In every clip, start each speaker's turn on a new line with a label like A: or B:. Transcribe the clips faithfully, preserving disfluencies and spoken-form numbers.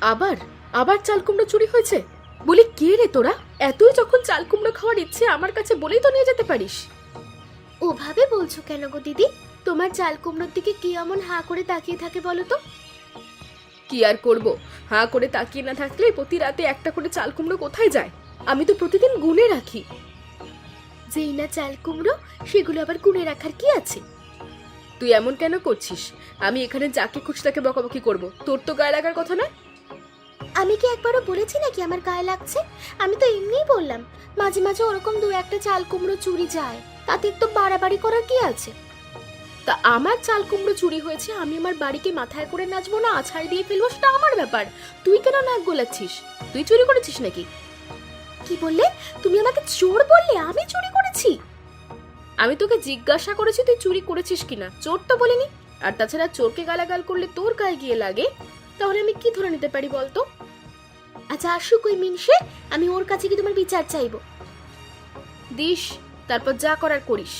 A: আবার আবার চাল কুমড়ো চুরি হয়েছে? বলি কে রে তোরা? এতই যখন চাল কুমড়ো খাওয়ার ইচ্ছে আমার কাছে বলেই তো নিয়ে যেতে পারিস।
B: ওভাবে বলছো কেন গো দিদি? তোমার চাল কুমড়োর দিকে কি এমন হাঁ করে তাকিয়ে থাকে বলো তো?
A: কি আর করব, হাঁ করে তাকিয়ে না থাকলে প্রতি রাতে একটা করে চাল কুমড়ো কোথায় যায়? আমি তো প্রতিদিন গুনে রাখি।
B: যেই না চাল কুমড়ো সেগুলো আবার গুনে রাখার কি আছে?
A: তুই এমন কেন করছিস? আমি এখানে যাকে খুশি তাকে বকাবকি করব, তোর তো গায়ে লাগার কথা না।
B: আমি কি একবারও বলেছি নাকি আমার গায়ে লাগছে? আমি তো এমনিই বললাম মাঝে মাঝে ওরকম দু একটা চাল কুমড়ো চুরি যায়, তাতে একটু বাড়াবাড়ি করার কি আছে?
A: তা আমার চাল কুমড়ো চুরি হয়েছে, আমি আমার বাড়িকে মাথায় করে নাচবো না আছাড় দিয়ে ফেলবো, সেটা আমার ব্যাপার। তুই কেন নাক গোলাচ্ছিস? তুই চুরি করেছিস নাকি?
B: কি বললে? তুমি আমাকে চোর বললে? আমি চুরি করেছি?
A: আমি তোকে জিজ্ঞাসা করেছি তুই চুরি করেছিস কিনা, চোর তো বলিনি। আর তাছাড়া চোরকে গালাগাল করলে তোর গায়ে গিয়ে লাগে, তাহলে আমি কি ধরে নিতে পারি বলতো?
B: আচ্ছা আসুক ওই মিনসে, আমি ওর কাছে কি তোমার বিচার চাইবো?
A: দিস, তারপর যা করার করিস।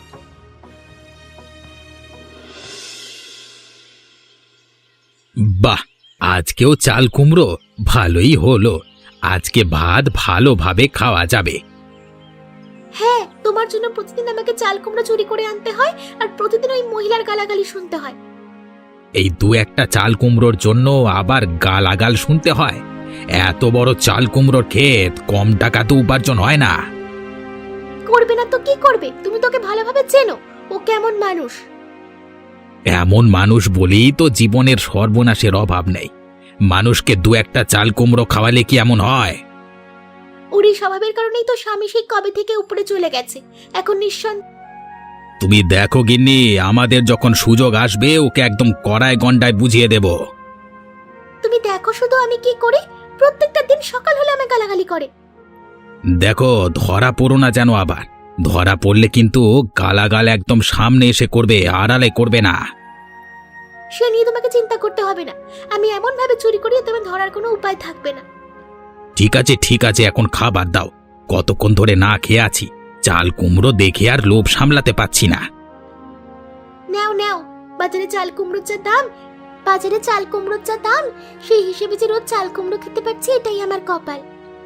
C: বাহ, আজকেও চাল কুমড়ো, ভালোই হলো। আজকে ভাত ভালোভাবে খাওয়া যাবে।
B: হ্যাঁ, তোমার জন্য প্রতিদিন আমাকে চাল কুমড়ো চুরি করে আনতে হয় আর প্রতিদিন ওই মহিলার গালাগালি শুনতে হয়।
C: এই দু একটা চাল কুমড়োর জন্য আবার গালাগাল শুনতে হয়? এত বড় চাল কুমড়োর ক্ষেত, কম টাকা তো উপার্জন হয় না।
B: করবে না তো কি করবে? তুমি তোকে ভালোভাবে চেনো, ও কেমন মানুষ।
C: এমন মানুষ বলেই তো জীবনের সর্বনাশের অভাব নেই। মানুষকে দু একটা চাল কুমড়ো খাওয়ালে কি এমন হয়?
B: ওর এই স্বভাবের কারণেই তো স্বামী সেই কবে থেকে উপরে চলে গেছে। এখন নিঃসন্দ
C: তুমি দেখো গিন্নি, আমাদের যখন সুযোগ আসবে ওকে একদম কড়ায় গন্ডায় বুঝিয়ে দেব।
B: তুমি দেখো শুধু আমি কি করি। প্রত্যেকটা দিন সকাল হলে আমাকে গালাগালি করে।
C: দেখো, ধরা পড়ো না যেন আবার। ধরা পড়লে কিন্তু গালাগাল একদম সামনে এসে করবে, আড়ালে করবে না।
B: সে নিয়ে তোমাকে চিন্তা করতে হবে না। আমি এমন ভাবে চুরি করি তোমার ধরার কোনো উপায় থাকবে না।
C: ঠিক আছে ঠিক আছে, এখন খাবার দাও। কতক্ষণ ধরে না খেয়ে আছি, চাল কুমড়ো দেখে আর লোভ সামলাতে পাচ্ছি না।
B: নাও নাও, বাজারে চাল কুমড়োর যা দাম, বাজারে চাল কুমড়োর যা দাম, সেই হিসেবে যে রোজ চাল কুমড়ো খেতে পারছি এটাই আমার কপাল।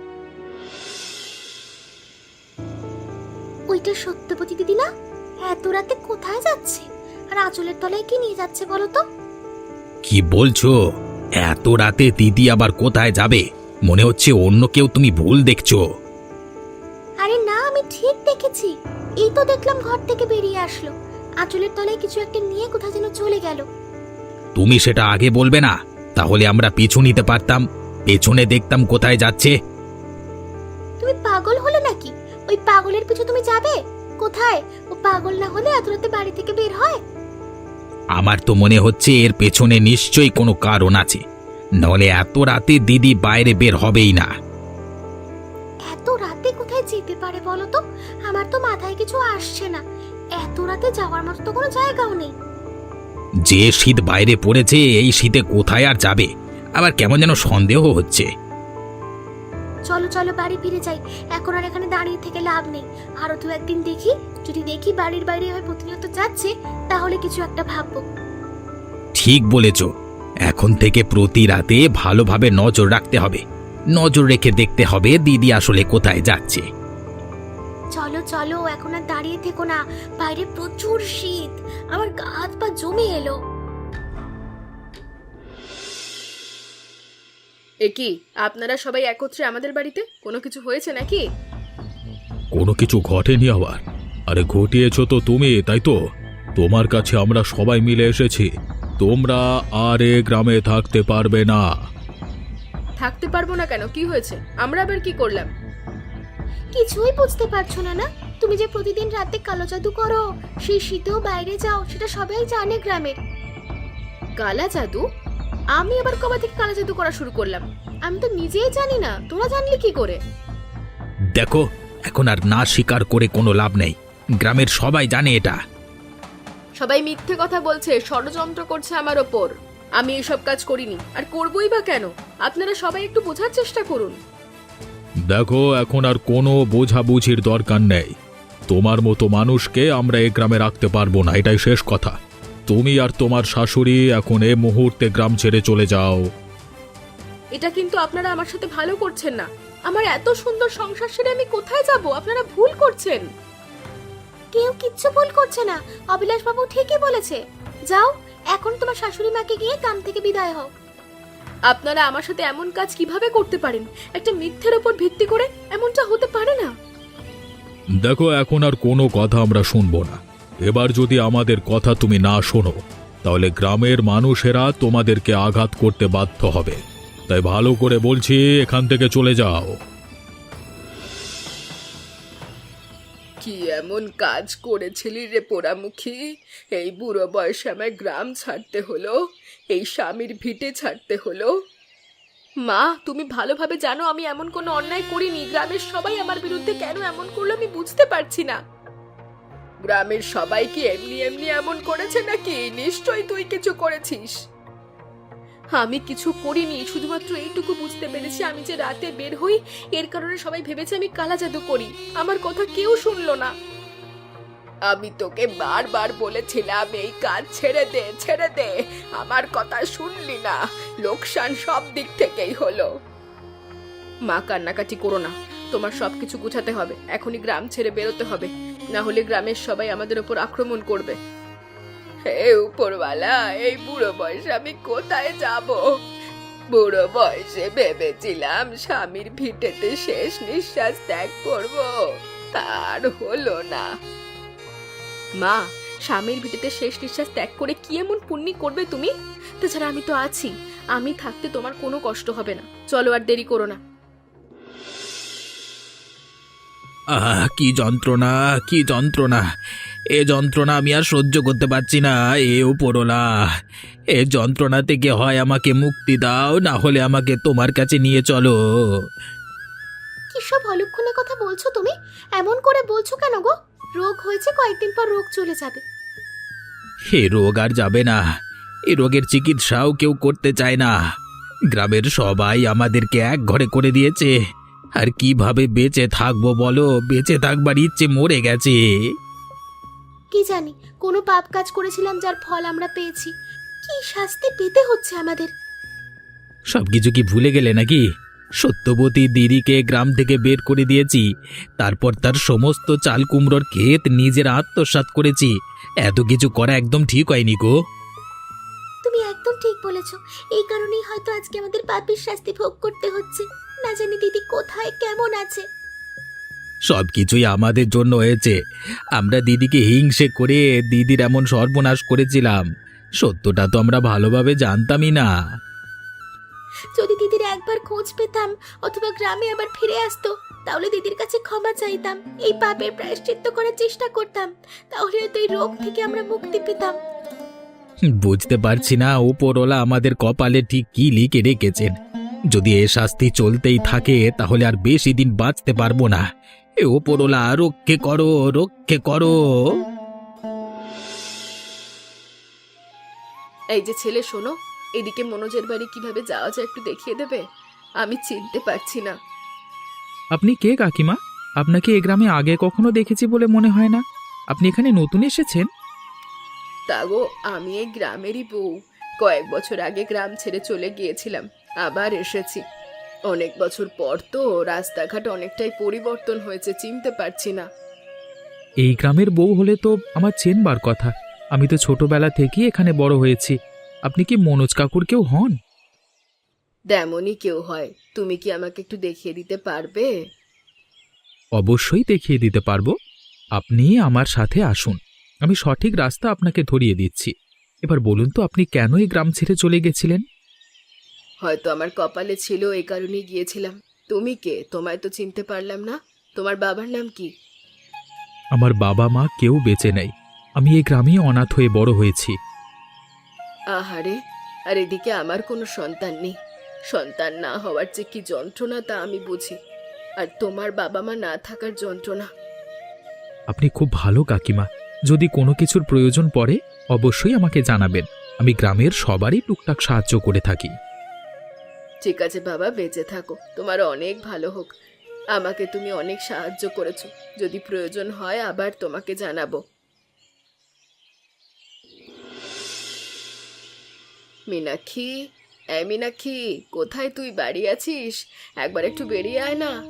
B: ওইটা সত্যবতী দিদি না? এত রাতে কোথায় যাচ্ছে? আর আঁচলের তলায় কি নিয়ে যাচ্ছে বলো তো?
C: কি বলছো? এত রাতে দিদি আবার কোথায় যাবে? মনে হচ্ছে অন্য কেউ তুমি ভুল দেখছো।
B: আরে না, আমি ঠিক দেখেছি। এই তো দেখলাম ঘর থেকে বেরিয়ে আসলো, আঁচলের তলায় কিছু একটা নিয়ে কোথায় যেন চলে গেল।
C: তুমি সেটা আগে বলবে না? তাহলে আমরা পিছু নিতে পারতাম, পেছনে দেখতাম কোথায় যাচ্ছে।
B: তুমি পাগল হলে নাকি? ওই পাগলের পিছু তুমি যাবে? কোথায়? ও পাগল না হলে এত রাতে বাড়ি থেকে বের হয়?
C: আমার তো মনে হচ্ছে এর পেছনে নিশ্চয়ই কোনো কারণ আছে, নাহলে এত রাতে দিদি বাইরে বের হবেই না।
B: এত রাতে কোথায় যেতে পারে বলো তো? আমার তো মাথায় কিছু আসছে না। এত রাতে যাওয়ার মতো তো কোনো জায়গাও নেই।
C: যে শীত বাইরে পড়েছে, এই শীতে কোথায় আর যাবে? আবার কেমন যেন সন্দেহ হচ্ছে।
B: চলো চলো বাড়ি ফিরে যাই, এখন আর এখানে দাঁড়িয়ে থেকে লাভ নেই। আরো দু একদিন দেখি, যদি দেখি বাড়ির বাইরে হয় প্রতিনিয়ত যাচ্ছে, তাহলে কিছু একটা ভাববো।
C: ঠিক বলেছ, এখন থেকে প্রতি রাতে ভালোভাবে নজর রাখতে হবে। নজর রেখে দেখতে হবে দিদি আসলে কোথায় যাচ্ছে।
B: চলো চলো, এখন আর দাঁড়িয়ে থেকো না, বাইরে প্রচুর শীত, আমার গা হাত পা জমে এলো।
A: এ কি, আপনারা সবাই একত্রে আমাদের বাড়িতে? কোনো কিছু হয়েছে নাকি?
D: কোনো কিছু ঘটেনি আবার? আরে ঘটিয়েছো তো তুমি, তাই তো? তোমার কাছে আমরা সবাই মিলে এসেছি। তোমরা আর এ গ্রামে থাকতে পারবে না।
A: থাকতে পারবো না কেন? কি হয়েছে? আমরা আবার কি করলাম?
B: কিছুই বুঝতে পারছো না? না, তুমি যে প্রতিদিন রাতে কালো জাদু করো, সেই শীতেও বাইরে যাও, সেটা সবাই জানে গ্রামের।
A: কালা জাদু? আমি আবার কবে থেকে কালা জাদু করা শুরু করলাম? আমি তো নিজেই জানি না, তোরা জানলি কি করে?
C: দেখো, এখন আর না স্বীকার করে কোনো লাভ নেই। গ্রামের সবাই জানে এটা।
A: সবাই মিথ্যে কথা বলছে, ষড়যন্ত্র করছে আমার ওপর। আমি এসব কাজ করিনি, আর করবই বা কেন? আপনারা সবাই একটু বোঝার চেষ্টা করুন।
D: দেখো, এখন আর কোনো বোঝাবুঝির দরকার নেই। তোমার মতো মানুষকে আমরা এ গ্রামে রাখতে পারবো না, এটাই শেষ কথা। তুমি আর তোমার শাশুড়ি এখন এ মুহূর্তে গ্রাম ছেড়ে চলে যাও।
A: এটা কিন্তু আপনারা আমার সাথে ভালো করছেন না। আমার এত সুন্দর সংসার ছেড়ে আমি কোথায় যাব? আপনারা ভুল করছেন।
B: কেউ কিচ্ছু ভুল করছে না, অবিলাস বাবু ঠিকই বলেছে। যাও, এখন তোমার শাশুড়ি মাকে গিয়ে কাম থেকে বিদায় হও।
A: আপনারা আমার সাথে এমন কাজ কিভাবে করতে পারেন? একটা মিথ্যের উপর ভিত্তি করে এমনটা হতে পারে না।
D: দেখো, এখন আর কোনো কথা আমরা শুনবো না। এবার যদি আমাদের কথা তুমি না শোনো, তাহলে গ্রামের মানুষেরা তোমাদেরকে আঘাত করতে বাধ্য হবে। তাই ভালো করে বলছি, এখান থেকে চলে যাও।
A: কি এমন কাজ করেছিলি রে পোড়ামুখী? এই বুড়ো বয়সে আমায় গ্রাম ছাড়তে হলো, এই স্বামীর ভিটে ছাড়তে হলো। মা, তুমি ভালোভাবে জানো আমি এমন কোনো অন্যায় করিনি। গ্রামের সবাই আমার বিরুদ্ধে কেন এমন করলো আমি বুঝতে পারছি না। গ্রামের সবাই কি এমনি এমনি এমন করেছে নাকি? নিশ্চয়ই তুই কিছু করেছিস। আমি কিছু করিনি, শুধুমাত্র এইটুকু বুঝতে পেরেছি আমি যে রাতে বের হই এর কারণে সবাই ভেবেছে আমি কালা জাদু করি। আমার কথা কেউ শুনলো না। আমি তোকে বারবার বলেছিলাম এই কাজ ছেড়ে দে, ছেড়ে দে। আমার কথা শুনলি না, লোকসান সব দিক থেকেই হলো। মা, কান্নাকাটি করো না। তোমার সবকিছু গুছাতে হবে, এখনই গ্রাম ছেড়ে বেরোতে হবে, না হলে গ্রামের সবাই আমাদের উপর আক্রমণ করবে। হে উপরওয়ালা, এই বুড়ো বয়সে আমি কোথায় যাব? বুড়ো বয়সে ভেবেছিলাম স্বামীর ভিটেতে শেষ নিঃশ্বাস ত্যাগ করব, তার হলো না। মা, স্বামীর ভিটেতে শেষ নিঃশ্বাস ত্যাগ করে কি এমন পুণ্যি করবে তুমি? তাছাড়া আমি তো আছি, আমি থাকতে তোমার কোনো কষ্ট হবে না। চলো, আর দেরি করো না।
C: আহ কি যন্ত্রণা, কি যন্ত্রণা! এ যন্ত্রণা আমি আর সহ্য করতে পারছি না। এ উপরওয়ালা, এ যন্ত্রণা থেকে হয় আমাকে মুক্তি দাও, না হলে আমাকে তোমার কাছে নিয়ে চলো।
B: কি সব অলক্ষণে কথা বলছো তুমি? এমন করে বলছো কেন গো? রোগ হয়েছে, কয়েকদিন পর রোগ চলে যাবে।
C: এ রোগ আর যাবে না। এই রোগের চিকিৎসাও কেউ করতে চায় না। গ্রামের সবাই আমাদেরকে এক ঘরে করে দিয়েছে। আর কিভাবে বেঁচে থাকবো বলো? বেঁচে থাকবার ইচ্ছে মরে গেছে।
B: কি জানি কোনো পাপ কাজ করেছিলাম যার ফল আমরা পেয়েছি। কি শাস্তি পেতে হচ্ছে আমাদের?
C: সবকিছু কি ভুলে গেলে নাকি? সত্যবতী দিদিকে গ্রাম থেকে বের করে দিয়েছি, তারপর তার সমস্ত চাল কুমড়োর ক্ষেত নিজের আত্মসাৎ করেছি। এত কিছু করা একদম ঠিক হয়নি গো।
B: তুমি একদম ঠিক বলেছো। এই কারণেই হয়তো আজকে আমাদের পাপের শাস্তি ভোগ করতে হচ্ছে। না জানি দিদি কোথায়, কেমন আছে।
C: সবকিছুই আমাদের জন্য হয়েছে। আমরা দিদিকে হিংসে করে দিদির এমন সর্বনাশ করেছিলাম। সত্যটা তো আমরা ভালোভাবে জানতামই না।
B: যদি দিদির একবার খোঁজ পেতাম অথবা গ্রামে আবার ফিরে আসতো, তাহলে দিদির কাছে ক্ষমা চাইতাম, এই পাপের প্রায়শ্চিত্ত করার চেষ্টা করতাম। তাহলে হয়তো এই রোগ থেকে আমরা মুক্তি পেতাম।
C: বুঝতে পারছি না উপরওয়ালা আমাদের কপালে ঠিক কি লিখে রেখেছেন। যদি এ শাস্তি চলতেই থাকে তাহলে আর বেশি দিন বাঁচতে পারবো না। এ উপরওয়ালা, রক্ষে করো, রক্ষে করো।
A: এই যে ছেলে, শোনো, এদিকে মনোজের বাড়ি কিভাবে যাওয়া যায় একটু দেখিয়ে দেবে? আমি চিনতে পারছি না।
E: আপনি কে কাকিমা? আপনাকে এ গ্রামে আগে কখনো দেখেছি বলে মনে হয় না। আপনি এখানে নতুন এসেছেন?
A: তা গো, আমি এই গ্রামেরই বউ। কয়েক বছর আগে গ্রাম ছেড়ে চলে গিয়েছিলাম, আবার এসেছি। অনেক বছর পর তো, রাস্তাঘাট অনেকটাই পরিবর্তন হয়েছে, চিনতে পারছি না।
E: এই গ্রামের বউ হলে তো আমার চেনবার কথা। আমি তো ছোটবেলা থেকেই এখানে বড় হয়েছি। আপনি কি মনোজ কাকুর কেউ হন?
A: তেমনই কেউ হয়। তুমি কি আমাকে একটু দেখিয়ে দিতে পারবে?
E: অবশ্যই দেখিয়ে দিতে পারবো। আপনি আমার সাথে আসুন, আমি সঠিক রাস্তা আপনাকে ধরিয়ে দিচ্ছি। এবার বলুন তো, আপনি কেন এই গ্রাম ছেড়ে চলে গেছিলেন?
A: হয়তো আমার কপালে ছিল, এই কারণেই গিয়েছিলাম। তুমি কে? তোমায় তো চিনতে পারলাম না। তোমার বাবার নাম কি?
E: আমার বাবা মা কেউ বেঁচে নেই। আমি এই গ্রামেই অনাথ হয়ে বড় হয়েছি।
A: আহারে, আর এদিকে আমার কোনো সন্তান নেই। সন্তান না হওয়ার যে কি যন্ত্রণা তা আমি বুঝি, আর তোমার বাবা মা না থাকার যন্ত্রণা।
E: আপনি খুব ভালো কাকিমা। যদি কোনো কিছুর প্রয়োজন পড়ে অবশ্যই আমাকে জানাবেন। আমি গ্রামের সবারই টুকটাক সাহায্য করে থাকি।
A: ঠিক আছে বাবা, বেঁচে থাকো, তোমার অনেক ভালো হোক। আমাকে তুমি অনেক সাহায্য করেছো। যদি প্রয়োজন হয় আবার তোমাকে জানাবো। মীনাক্ষী, এই মীনাক্ষী, কোথায় তুই? বাড়ি আছিস? একবার একটু বেরিয়ে আয় না।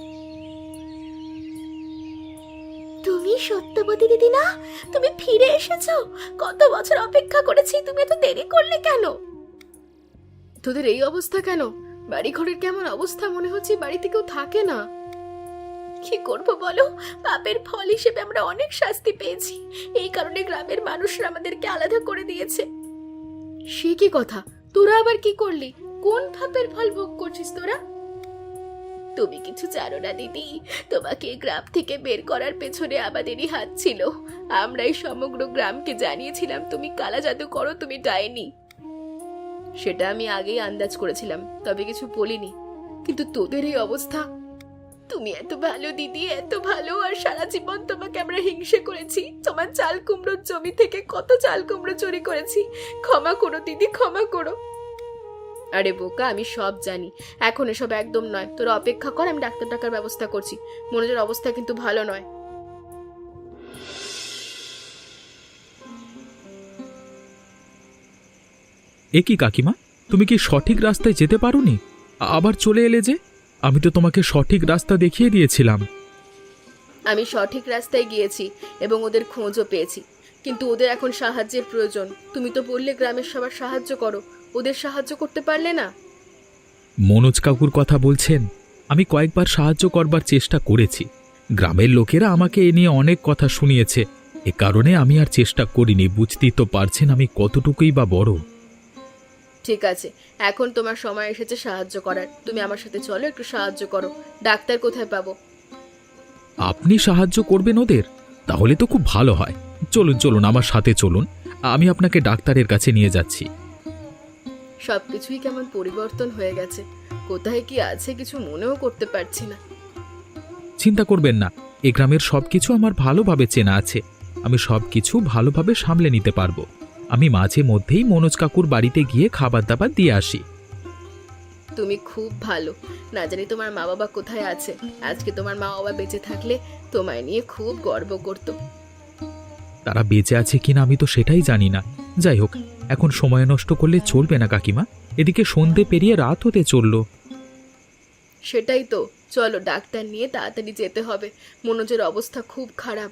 B: তুমি সত্যবতী দিদি না? তুমি ফিরে এসেছো? কত বছর অপেক্ষা করেছি, তুমি এত দেরি করলে কেন?
A: তোদের এই অবস্থা কেন? বাড়ি ঘরের কেমন অবস্থা? মনে হচ্ছে বাড়িতে কেউ থাকে না।
B: কি করব বলো, পাপের ফল হিসেবে আমরা অনেক শাস্তি পেয়েছি। এই কারণে গ্রামের মানুষরা আমাদেরকে আলাদা করে দিয়েছে।
A: সে কি কথা? তোরা আবার কি করলি? কোন পাপের ফল ভোগ করছিস তোরা?
B: তুমি কিছু জানো না দিদি, তোমাকে এই গ্রাম থেকে বের করার পেছনে আমাদেরই হাত ছিল। আমরাই সমগ্র গ্রামকে জানিয়েছিলাম তুমি কালা জাদু করো, তুমি ডাইনি।
A: সেটা আমি আগেই আন্দাজ করেছিলাম, তবে কিছু বলিনি। কিন্তু তোদের এই অবস্থা।
B: তুমি এত ভালো দিদি, এত ভালো, আর সারা জীবন তোমাকে আমরা হিংসে করেছি। তোমার চাল কুমড়োর জমি থেকে কত চাল কুমড়ো চুরি করেছি। ক্ষমা করো দিদি, ক্ষমা করো।
A: আরে বোকা, আমি সব জানি। এখন এসব একদম নয়, তোরা অপেক্ষা কর, আমি ডাক্তার টাকার ব্যবস্থা করছি। মনোজের অবস্থা কিন্তু ভালো নয়।
E: এ কি কাকিমা, তুমি কি সঠিক রাস্তায় যেতে পারোনি? আবার চলে এলে যে? আমি তো তোমাকে সঠিক রাস্তা দেখিয়ে দিয়েছিলাম।
A: আমি সঠিক রাস্তায় গিয়েছি এবং ওদের খোঁজও পেয়েছি, কিন্তু ওদের এখন সাহায্যের প্রয়োজন। তুমি তো বললে গ্রামের সবার সাহায্য করো, ওদের সাহায্য করতে পারলে না?
E: মনোজ কাকুর কথা বলছেন? আমি কয়েকবার সাহায্য করবার চেষ্টা করেছি। গ্রামের লোকেরা আমাকে এ নিয়ে অনেক কথা শুনিয়েছে। এ কারণে আমি আর চেষ্টা করিনি। বুঝতেই তো পারছেন আমি কতটুকুই বা বড়।
A: ঠিক আছে, এখন তোমার সময় এসেছে সাহায্য করার। তুমি আমার সাথে চলো, একটু সাহায্য করো। ডাক্তার কোথায় পাবো?
E: আপনি সাহায্য করবেন ওদের? তাহলে তো খুব ভালো হয়। চলুন চলুন, আমার সাথে চলুন, আমি আপনাকে ডাক্তারের কাছে নিয়ে যাচ্ছি।
A: সবকিছুই কেমন পরিবর্তন হয়ে গেছে। কোথায় কি আছে কিছু মনেও করতে পারছি না।
E: চিন্তা করবেন না, এ গ্রামের সবকিছু আমার ভালোভাবে চেনা আছে। আমি সবকিছু ভালোভাবে সামলে নিতে পারবো। আমি মাঝে মধ্যেই মনোজ কাকুর বাড়িতে গিয়ে খাবার দাবার দিয়ে আসি।
A: তুমি খুব ভালো। না জানি তোমার মা বাবা কোথায় আছে। আজকে তোমার মা বাবা বেঁচে থাকলে তোমায় নিয়ে খুব গর্ব করতো।
E: তারা বেঁচে আছে কিনা আমি তো সেটাই জানি না। যাই হোক, এখন সময় নষ্ট করলে চলবে না কাকিমা। এদিকে সন্ধে পেরিয়ে রাত হতে চলল।
A: সেটাই তো, চলো ডাক্তার নিয়ে তাড়াতাড়ি যেতে হবে। মনোজের অবস্থা খুব খারাপ।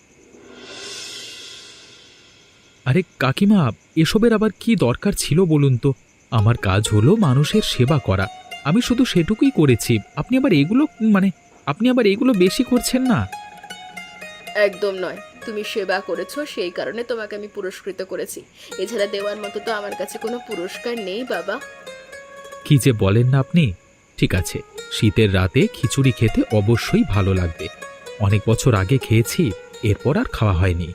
E: আরে কাকিমা, এসবের আবার কি দরকার ছিল বলুন তো? আমার কাজ হলো মানুষের সেবা করা, আমি শুধু সেটুকুই করেছি। আপনি আবার এগুলো মানে আপনি আবার এগুলো বেশি করছেন না?
A: একদম নয়, তুমি সেবা করেছো সেই কারণে তোমাকে আমি পুরস্কৃত করেছি। এছাড়া দেওয়ার মতো তো আমার কাছে কোনো পুরস্কার নেই বাবা।
E: কি যে বলেন না আপনি! ঠিক আছে, শীতের রাতে খিচুড়ি খেতে অবশ্যই ভালো লাগবে। অনেক বছর আগে খেয়েছি, এরপর আর খাওয়া হয়নি।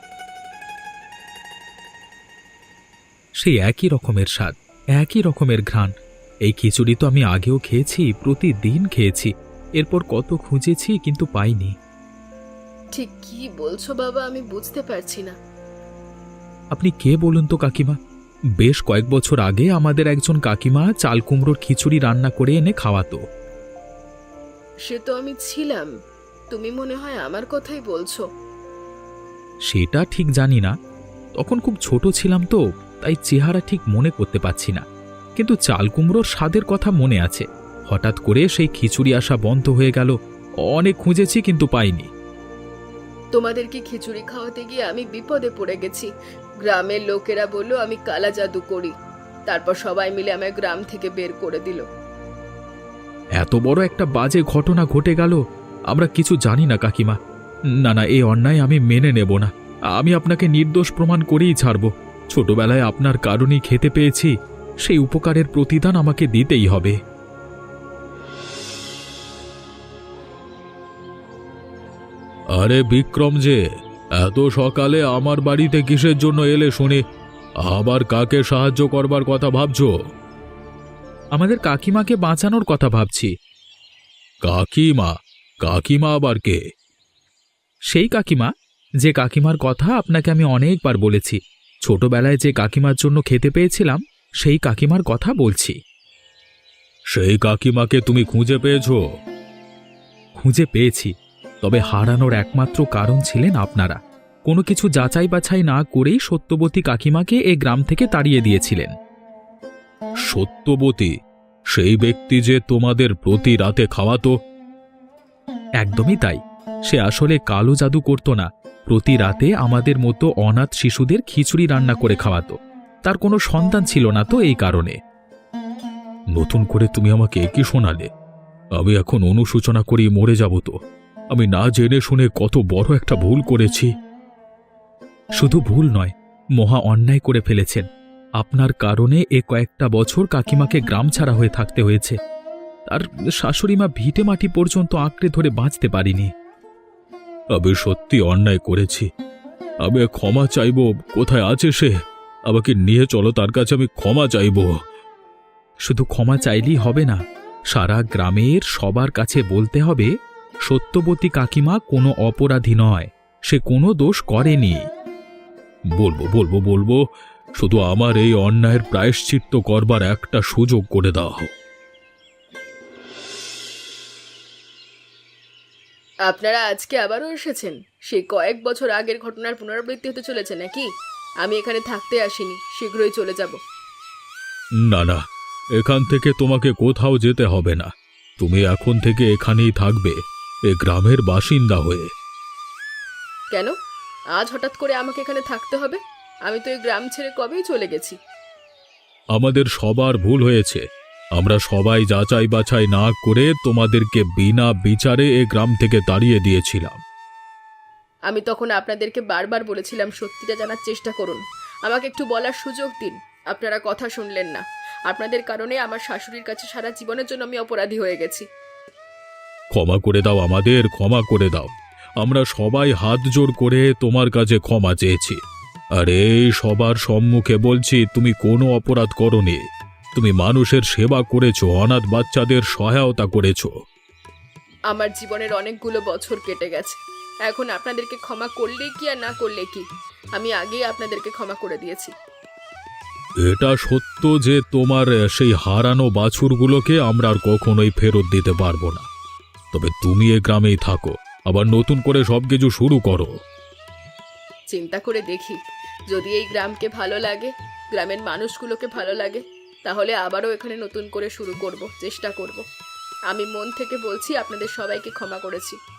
E: সেই একই রকমের স্বাদ, একই রকমের ঘ্রাণ। এই খিচুড়ি তো আমি আগেও খেয়েছি, প্রতিদিন খেয়েছি। এরপর কত খুঁজেছি কিন্তু পাইনি।
A: ঠিক কি বলছো বাবা, আমি বুঝতে পারছি না।
E: আপনি কে বলুন তো কাকিমা? বেশ কয়েক বছর আগে আমাদের একজন কাকিমা চাল কুমড়োর খিচুড়ি রান্না করে এনে খাওয়াতো।
A: সে তো আমি ছিলাম। তুমি মনে হয় আমার কথাই বলছো।
E: সেটা ঠিক জানি না, তখন খুব ছোট ছিলাম তো, তাই চেহারা ঠিক মনে করতে পারছি না। কিন্তু চাল কুমড়োর স্বাদের কথা মনে আছে। হঠাৎ করে সেই খিচুড়ি আসা বন্ধ হয়ে গেল। অনেক খুঁজেছি কিন্তু পাইনি।
A: তোমাদেরকে খিচুড়ি খাওয়াতে গিয়ে আমি বিপদে পড়ে গেছি। গ্রামের লোকেরা বলল আমি কালা জাদু করি। তারপর সবাই মিলে আমায় গ্রাম থেকে বের করে দিল।
E: এত বড় একটা বাজে ঘটনা ঘটে গেল, আমরা কিছু জানি না কাকিমা। না না, এই অন্যায় আমি মেনে নেব না। আমি আপনাকে নির্দোষ প্রমাণ করেই ছাড়ব। ছোটবেলায় আপনার কারণেই খেতে পেয়েছি, সেই উপকারের প্রতিদান আমাকে দিতেই হবে।
D: আরে বিক্রম যে, এত সকালে আমার বাড়িতে কিসের জন্য এলে শুনি? আবার কাকে সাহায্য করবার কথা ভাবছো?
E: আমাদের কাকিমাকে বাঁচানোর কথা ভাবছি।
D: কাকিমা? কাকিমা আবার কে?
E: সেই কাকিমা, যে কাকিমার কথা আপনাকে আমি অনেকবার বলেছি। ছোটবেলায় যে কাকিমার জন্য খেতে পেয়েছিলাম, সেই কাকিমার কথা বলছি।
D: সেই কাকিমাকে তুমি খুঁজে পেয়েছো?
E: খুঁজে পেয়েছি, তবে হারানোর একমাত্র কারণ ছিলেন আপনারা। কোনো কিছু যাচাই বাছাই না করেই সত্যবতী কাকিমাকে এ গ্রাম থেকে তাড়িয়ে দিয়েছিলেন।
D: সত্যবতী, সেই ব্যক্তি যে তোমাদের প্রতি রাতে খাওয়াতো?
E: একদমই তাই। সে আসলে কালো জাদু করত না, প্রতি রাতে আমাদের মতো অনাথ শিশুদের খিচুড়ি রান্না করে খাওয়াতো। তার কোনো সন্তান ছিল না তো এই কারণে।
D: নতুন করে তুমি আমাকে একই শোনালে। আমি এখন অনুশোচনা করি মরে যাব তো। আমি না জেনে শুনে কত বড় একটা ভুল করেছি।
E: শুধু ভুল নয়, মহা অন্যায় করে ফেলেছেন। আপনার কারণে এ কয়েকটা বছর কাকিমাকে গ্রাম ছাড়া হয়ে থাকতে হয়েছে। তার শাশুড়িমা ভিটে মাটি পর্যন্ত আঁকড়ে ধরে বাঁচতে পারিনি।
D: আমি সত্যি অন্যায় করেছি। আমি ক্ষমা চাইব। কোথায় আছে সে? আমাকে নিয়ে চলো তার কাছে, আমি ক্ষমা চাইব।
E: শুধু ক্ষমা চাইলেই হবে না, সারা গ্রামের সবার কাছে বলতে হবে সত্যবতী কাকিমা কোনো অপরাধী নয়, সে কোনো দোষ করেনি।
D: বলবো বলবো বলবো শুধু আমার এই অন্যায়ের প্রায়শ্চিত্ত করবার একটা সুযোগ করে দাও।
A: আপনারা আজকে আবারও এসেছেন? সেই কয়েক বছর আগের ঘটনার পুনরাবৃত্তি হতে চলেছে নাকি? আমি এখানে থাকতে আসিনি, শীঘ্রই চলে যাব।
D: না না, এখান থেকে তোমাকে কোথাও যেতে হবে না। তুমি এখন থেকে এখানেই থাকবে, এ গ্রামের বাসিন্দা হয়ে।
A: কেন আজ হঠাৎ করে আমাকে এখানে থাকতে হবে? আমি তো এই গ্রাম ছেড়ে কবেই চলে গেছি।
D: আমাদের সবার ভুল হয়েছে। আমরা সবাই যাচাই বাছাই না করে তোমাদেরকে বিনা বিচারে এ গ্রাম থেকে তাড়িয়ে দিয়েছিলাম।
A: আমি তখন আপনাদেরকে বারবার বলেছিলাম সত্যিটা জানার চেষ্টা করুন, আমাকে একটু বলার সুযোগ দিন। আপনারা কথা শুনলেন না। আপনাদের কারণে আমার শাশুড়ির কাছে সারা জীবনের জন্য আমি অপরাধী হয়ে গেছি।
D: ক্ষমা করে দাও আমাদের, ক্ষমা করে দাও। আমরা সবাই হাত জোড় করে তোমার কাছে ক্ষমা চেয়েছি। আর এই সবার সম্মুখে বলছি, তুমি কোনো অপরাধ করোনি। তুমি মানুষের সেবা করেছো, অনাথ বাচ্চাদের সহায়তা করেছো।
A: আমার জীবনের অনেকগুলো বছর কেটে গেছে। এখন আপনাদেরকে ক্ষমা করলে কি আর না করলে কি, আমি আগেই আপনাদেরকে ক্ষমা করে দিয়েছি।
D: এটা সত্য যে তোমার সেই হারানো বাছুরগুলোকে আমরা আর কখনোই ফেরত দিতে পারবো না। তবে তুমি এ গ্রামেই থাকো, আবার নতুন করে সবকিছু শুরু করো।
A: চিন্তা করে দেখি, যদি এই গ্রামকে ভালো লাগে, গ্রামের মানুষগুলোকে ভালো লাগে, তাহলে আবারও এখানে নতুন করে শুরু করব, চেষ্টা করব। আমি মন থেকে বলছি আপনাদের সবাইকে ক্ষমা করেছি।